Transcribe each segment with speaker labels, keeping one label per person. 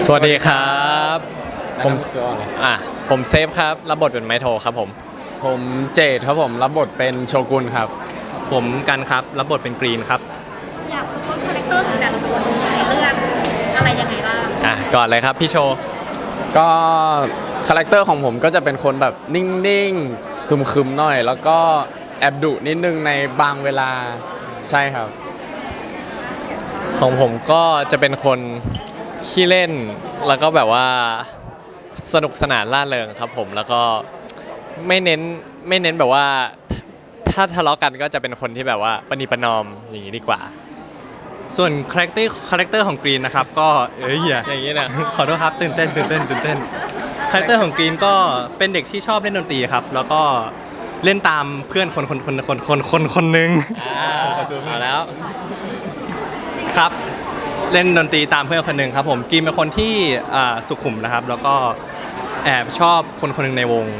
Speaker 1: สวัสดีครับผมผมเซฟครับรับบทเป็นไมโทครับ
Speaker 2: ผมเจดครับผมรับบทเป็นโชกุนครับ
Speaker 3: ผมกันครับรับบทเป็นกรีนครับ
Speaker 4: อยากรู้ว่าคาแรคเตอร์ของแต่ละคนในเรื่องอะไรยังไงบ้าง
Speaker 1: ก่อนเลยครับพี่โช
Speaker 2: ก็คาแรคเตอร์ของผมก็จะเป็นคนแบบนิ่งๆคึมๆหน่อยแล้วก็แอบดุนิดนึงในบางเวลาใช่ครับ
Speaker 1: ของผมก็จะเป็นคนขี้เล่นแล้วก็แบบว่าสนุกสนานร่าเริงครับผมแล้วก็ไม่เน้นแบบว่าถ้าทะเลาะกันก็จะเป็นคนที่แบบว่าประนีประนอมอย่างนี้ดีกว่า
Speaker 3: ส่วนคาแรคเตอร์ของกรีนนะครับก็
Speaker 1: อย่างนี้นะ
Speaker 3: ขอโทษครับตื่นเต้นคาแรคเตอร์ของกรีนก็เป็นเด็กที่ชอบเล่นดนตรีครับแล้วก็เล่นตามเพื่อนคนหนึ่ง
Speaker 1: เอาแล้ว
Speaker 3: ครับเล่นดนตรีตามเพื่อนคนหนึ่งครับผมกรีนเป็นคนที่สุขุมนะครับแล้วก็แอบชอบคนหนึ่งในวง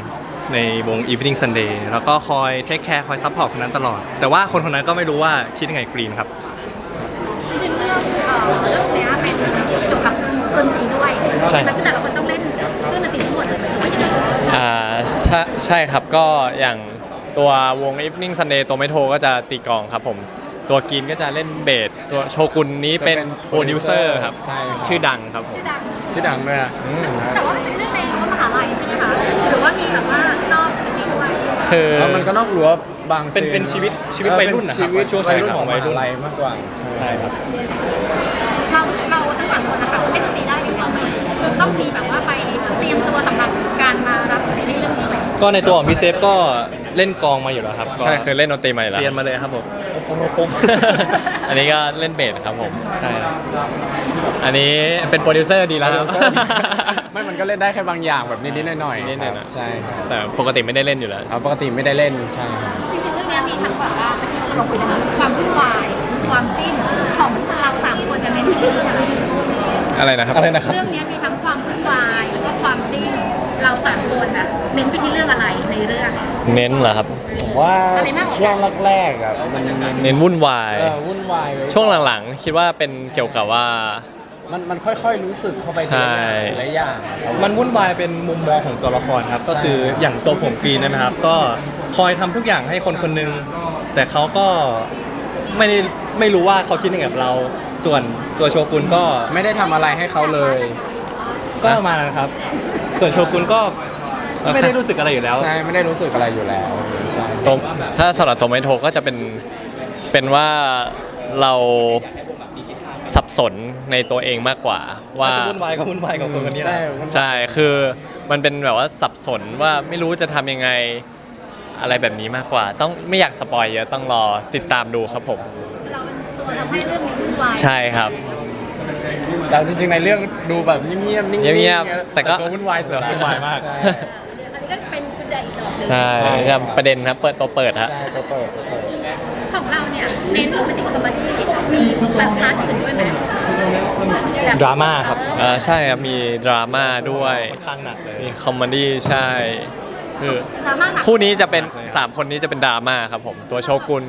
Speaker 3: Evening Sunday แล้วก็คอยเทคแคร์คอยซัพพอร์ตคนนั้นตลอดแต่ว่าคนนั้นก็ไม่รู้ว่าคิดยังไงกรีนครับ
Speaker 4: จริงๆเรื่องนี้เป็นเกี่ยวกับดนตรีด้วยใช่ไหมคือแต่ละคนต้องเล่นเครื่องดนตรีทั้งหมดเลย
Speaker 1: ใช่ครับก็อย่างตัววง Evening Sunday ตัวไม่โทก็จะตีกลองครับผมตัวกินก็จะเล่นเบสตัวโชกุนนี้เป็นโปรดิวเซอร์ครับชื่อดังครับผม
Speaker 2: ชื่อดังด้วย
Speaker 4: แต่ว่าเป็นเรื่องในมหาลัยใช่ไหมคะหรือว่ามีแบบว่านอกจากนี้ด้วย
Speaker 1: คือ
Speaker 2: มันก็นอกรั้วบาง
Speaker 3: เป็นชีวิตวัยรุ่นนะครับ
Speaker 2: ช่วงวัยรุ่นของวัยรุ่นมากกว่า
Speaker 3: ใช่ครับ
Speaker 4: เราทั้งสามคนนะคะเล่นดนตรีได้อยู่แล้วต้องมีแบบว่าไปเตรียมตัวสำหรับการมารับซีรีส์เรื่องนี้ไหม
Speaker 3: ก็ในตัวของพี่เซฟก็เล่นกลองมาอยู่แล้วครับ
Speaker 1: ใช่เคยเล่นดนตรีมาอยู่แล้ว
Speaker 3: เซียนมาเลยครับผม
Speaker 1: อันนี้ก็เล่นเบสครับผม
Speaker 3: ใช่
Speaker 1: อันนี้เป็นโปรดิวเซอร์ดีแล้ว
Speaker 2: ไม่มันก็เล่นได้แค่บางอย่างแบบนิดๆหน่อยๆใช่
Speaker 1: แต่ปกติไม่ได้เล่นอยู่แล้ว
Speaker 2: ปกติไม่ได้เล่นใช่
Speaker 4: จริงๆเรื่องนี้มีทั้งแบบว่าเมื่อกี้เราคุยนะคะความวุ่นวายความจิ้นของเราสามคนจะเป็นที่
Speaker 1: อะไรนะครับ
Speaker 4: เรื่องนี้มีทั้งความวุ่นวายแล้วก็ความจิ้นเราสามคนนะเน้นไปที่เรื่องอะไรในเรื่อง
Speaker 1: เน้นเหรอครับ
Speaker 2: ผมว่าช่วงแรกๆอ่ะมัน
Speaker 1: เน้นวุ่นวายช่วงหลังๆคิดว่าเป็นเกี่ยวกับว่า
Speaker 2: มันค่อยๆรู้สึกเข้าไปหลายอย่าง
Speaker 3: มันวุ่นวายเป็นมุมมองของตัวละครครับก็คืออย่างตัวผมกรีนนะครับก็คอยทำทุกอย่างให้คนหนึ่งแต่เขาก็ไม่รู้ว่าเขาคิดยังไงกับเราส่วนตัวโชกุนก็
Speaker 2: ไม่ได้ทำอะไรให้เขาเลย
Speaker 3: ก็มานะครับส่วนโชกุนก็ไม่ได้รู้สึกอะไรอยู่แล้ว
Speaker 2: ใช่ไม่ได้รู้สึกอะไรอยู่แล้ว
Speaker 1: ถ้าสำหรับตัวไมโทก็จะเป็นว่าเราสับสนในตัวเองมากกว่าว่า
Speaker 3: จะวุ่นวายกับคนนี้
Speaker 1: ใช่คือมันเป็นแบบว่าสับสนว่าไม่รู้จะทำยังไงอะไรแบบนี้มากกว่าต้องไม่อยากสปอยเยอะต้องรอติดตามดูครับผม
Speaker 4: เราเป็นตัวทำให้เรื่องนี้วุ่นวาย
Speaker 1: ใช่ครับ
Speaker 2: แต่จริงๆในเรื่องดูแบบเงียบๆนิ่ง
Speaker 1: ๆแต่ก็
Speaker 2: วุ่นวายสุด
Speaker 3: วุ่นวายมาก
Speaker 4: อันนี้ก็เป็นกุญแจอีกดอก
Speaker 1: ใช่ครับประเด็นครับตัวเปิดฮะ
Speaker 2: ตัวเปิด
Speaker 4: ของเราเนี่ยเน้นโรแมนติกคอมเมดี้มีแบบพาร์ทอื่นด้วยไหม
Speaker 3: ดราม่าครับ
Speaker 1: ใช่ครับมีดราม่าด้วย
Speaker 3: ค่อนข้างหนักเลย
Speaker 1: มีคอมเมดี้ใช่คือคู่นี้จะเป็น3คนนี้จะเป็นดราม่าครับผมตัวโชกุน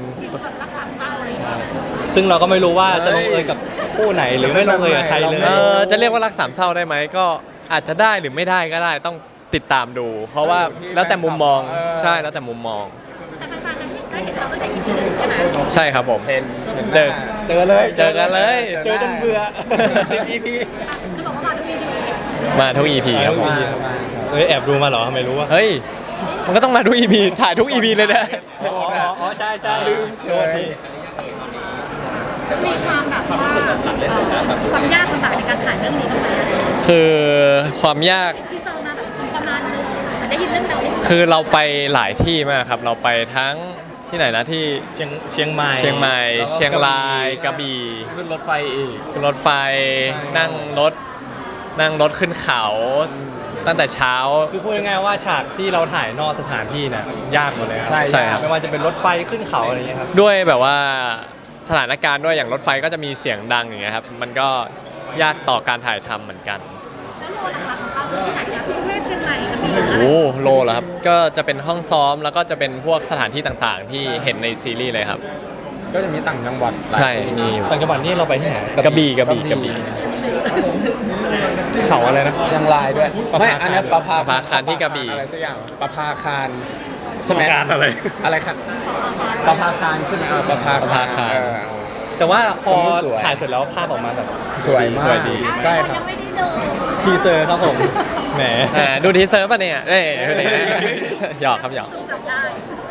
Speaker 3: ซึ่งเราก็ไม่รู้ว่าจะลงเอยกับคู่ไหนหรือไม่ลงเอยกับใครเลย
Speaker 1: จะเรียกว่ารักสามเศร้าได้ไหมก็อาจจะได้หรือไม่ได้ก็ได้ต้องติดตามดูเพราะว่าแล้วแต่มุมมองใช่แล้วแต่มุมมอง
Speaker 4: แต่แฟนๆจะได้เห็นเราตั้งแต่ EP 1ใช่ไหม
Speaker 1: ใช่ครับผมเจอ
Speaker 3: กันเลย
Speaker 1: เจอ
Speaker 3: จนเบื่อ10 EP
Speaker 4: จะบอกว่ามาทุก EP
Speaker 1: มาทุก EP ครับผม
Speaker 3: แอบดูมาเหรอทำไมรู้วะ
Speaker 1: เฮ้ยมันก็ต้องมาทุก EP ถ่ายทุก EP เลยนะ
Speaker 3: อ๋อใช่ลืมเชื่อพี่
Speaker 4: มีความแบบว่าความยากลำบากในการถ่ายเรื่องนี้ตรงไหน
Speaker 1: คือความยาก
Speaker 4: ที่เซอร์มาแบบประมาณนึงได้ยินเรื่องเรา
Speaker 1: คือเราไปหลายที่มากครับเราไปทั้งที่ไหนนะที่
Speaker 3: เชียงใหม่
Speaker 1: เชียงรายกระบี่
Speaker 2: ขึ้นรถไฟอีก
Speaker 1: ขึ้นรถไฟนั่งรถขึ้นเขาตั้งแต่เช้า
Speaker 3: คือพูดง่ายๆว่าฉากที่เราถ่ายนอกสถานที่น่ะยากหมดเลยครับ
Speaker 1: ใช่ครับ
Speaker 3: ไม่ว่าจะเป็นรถไฟขึ้นเขาอะไรอย่างเงี้ยครับ
Speaker 1: ด้วยแบบว่าสถานการณ์ด้วยอย่างรถไฟก็จะมีเสียงดังอย่างเงี้ยครับมันก็ยากต่อการถ่ายทำเหมือนกัน
Speaker 4: แล้วโลนะคะของเราที่ไหนนะกรุงเทพเชียงใหม่กระบี่
Speaker 1: โลเหรอครับก็จะเป็นห้องซ้อมแล้วก็จะเป็นพวกสถานที่ต่างๆที่เห็นในซีรีส์เลยครับ
Speaker 2: ก็จะมีต่างจังหวัด
Speaker 1: ใช่มี
Speaker 3: ต่างจังหวัดนี่เราไปที่ไหน
Speaker 1: กระบี่
Speaker 3: เขาอะไรนะ
Speaker 2: เชียงรายด้วย
Speaker 3: ประภา
Speaker 2: ไม่
Speaker 3: คาร
Speaker 2: อันนี้ประภา
Speaker 1: ประภาคารที่กระบี่
Speaker 2: อะไรสักอย่างประภาคารใช่ไหม
Speaker 3: การอะไร
Speaker 2: อะไรครับประภาคารใช่ไหมประภา
Speaker 1: ประภาคาร
Speaker 3: แต่ว่าพอ
Speaker 2: ผมว่าสวย
Speaker 3: ถ่ายเสร็จแล้วภาพออกมาแบบ
Speaker 2: สวยมาก
Speaker 1: สวยดี
Speaker 2: ใช่ครับ
Speaker 4: ยังไม่ได้ดู
Speaker 3: ทีเซอร์ครับผม แหม
Speaker 1: ดูทีเซอร์ป่ะเนี่ยดูดิหยอกครับหยอก
Speaker 4: จำได้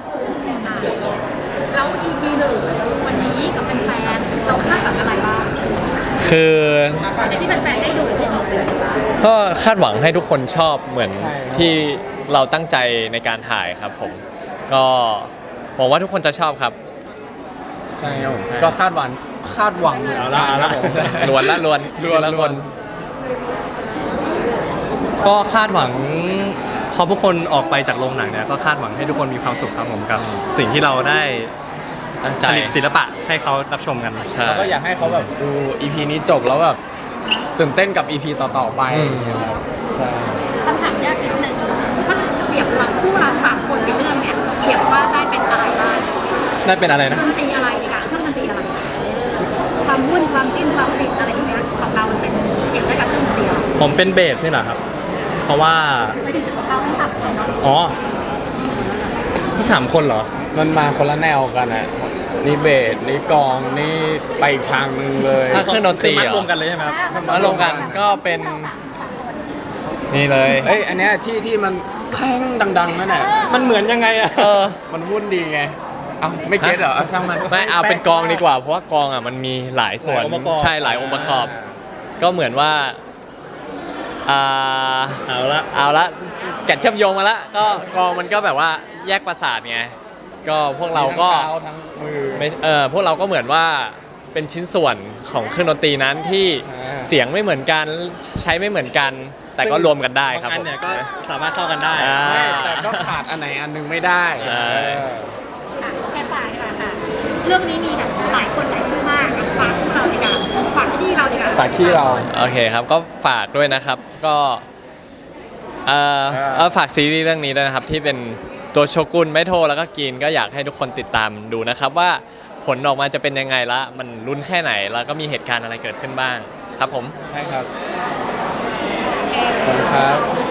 Speaker 4: เรา EP หนึ่งวันนี้กับแฟนๆเราคาดหวังอะไรบ้าง
Speaker 1: คือ
Speaker 4: หลังจากที่แฟนๆได้ดูใช่ไหม
Speaker 1: ก็คาดหวังให้ทุกคนชอบเหมือน
Speaker 2: ใช่ครับ
Speaker 1: ที่เราตั้งใจในการถ่ายครับผม ก็หวังว่าทุกคนจะชอบครับ
Speaker 2: ใช่ครับผมก็คาดหวัง
Speaker 3: เอาละเอาละ
Speaker 2: ครับผมใช่
Speaker 1: ล้วนละล้วน
Speaker 2: ล้วน
Speaker 3: ก็คาดหวังพอทุกคนออกไปจากโรงหนังเนี่ยก็คาดหวังให้ทุกคนมีความสุขครับผมกับสิ่งที่เราได้
Speaker 1: ตั้งใจ
Speaker 3: ผลิตศิลปะให้เขารับชมกัน
Speaker 1: ใช่
Speaker 2: แล้วก็อยากให้เขาแบบดู EP นี้จบแล้วแบบตื่นเต้นกับ EP ต่อๆไป
Speaker 1: อืม
Speaker 2: ใช่
Speaker 4: คำถามยากนิดนึงถ้าเปรียบเราคู่เราสามคนในเรื่องเนี่ยเปรียบว่าได้เป็นอะไรบ้าง
Speaker 3: ได้เป็นอะไรนะ
Speaker 4: ดนตรีอะไรดีกว่าเครื่องดนตรีอะไรความวุ่นความจิ้นความติดอะไรอย่างเงี้ยของเราเป็นเอกลักษณ์กับเครื่องดนตรีอะไร
Speaker 3: ผมเป็นเบสนี่แหละครับ เพราะว่า
Speaker 4: ไม่ถึงของเราทั้งสามคนเนาะ
Speaker 3: อ๋อที่สามคนเหรอ
Speaker 2: มันมาคนละแนวกันอ่ะนี่เบสนี่กลองนี่ไปอีกทางหนึงเลย
Speaker 1: ถ้าเครื่องดนตรี
Speaker 3: คือมัด
Speaker 1: เหรอ
Speaker 3: รวมกันเลยใช่ไหมครับ
Speaker 1: มาลงกันก็เป็นนี่เลย
Speaker 2: เอ้ยอันเนี้ยที่มันแข้งดังๆนั่นแหละ
Speaker 3: มันเหมือนยังไงอะ
Speaker 2: มันวุ่นดีไงเอ้าไม่เก็ตเหรอเอาช่างมัน
Speaker 1: ไม่เอาเป็นกองดีกว่า เพราะว่ากองอ่ะมันมีหลายส่วน
Speaker 3: หลายองค์ประกอบ
Speaker 1: ใช่หลายองค์ประกอบ ก็เหมือนว่าอ่า
Speaker 3: เอาละ
Speaker 1: เอาละแก่นเชื่อมโยงมาละก็กองมันก็แบบว่าแยกประสาทไงก็พวกเราก็
Speaker 2: ทั้งเท้าทั้งมือ
Speaker 1: ไม่พวกเราก็เหมือนว่าเป็นชิ้นส่วนของเครื่องดนตรีนั้นที่
Speaker 2: อ่า
Speaker 1: เสียงไม่เหมือนกันใช้ไม่เหมือนกัน แต่ก็รวมกันได้ครับ
Speaker 3: บางอั
Speaker 1: ผ
Speaker 3: น
Speaker 1: ม
Speaker 3: เนี่ยก็สามารถเข้ากันได้
Speaker 1: อ่า
Speaker 2: ไม่แต่ก็ขาดอันไหนอันหนึงไม่ได้
Speaker 1: ใช่
Speaker 4: ค่ะแค่ฝากดีกว่าค่ะเรื่องนี้มีแบบหลายคนหลายคู่มากฝากคู่เราดีกว่าฝากที่เราดีกว่า
Speaker 2: ฝากที่เรา
Speaker 1: โอเคครับก็ฝากด้วยนะครับก็ฝากซีรีส์เรื่องนี้ด้วยนะครับที่เป็นตัวโชกุนไม่โทรแล้วก็กินก็อยากให้ทุกคนติดตามดูนะครับว่าผลออกมาจะเป็นยังไงละมันลุ้นแค่ไหนแล้วก็มีเหตุการณ์อะไรเกิดขึ้นบ้างครับผม
Speaker 2: ใช่ครับขอบคุณครับ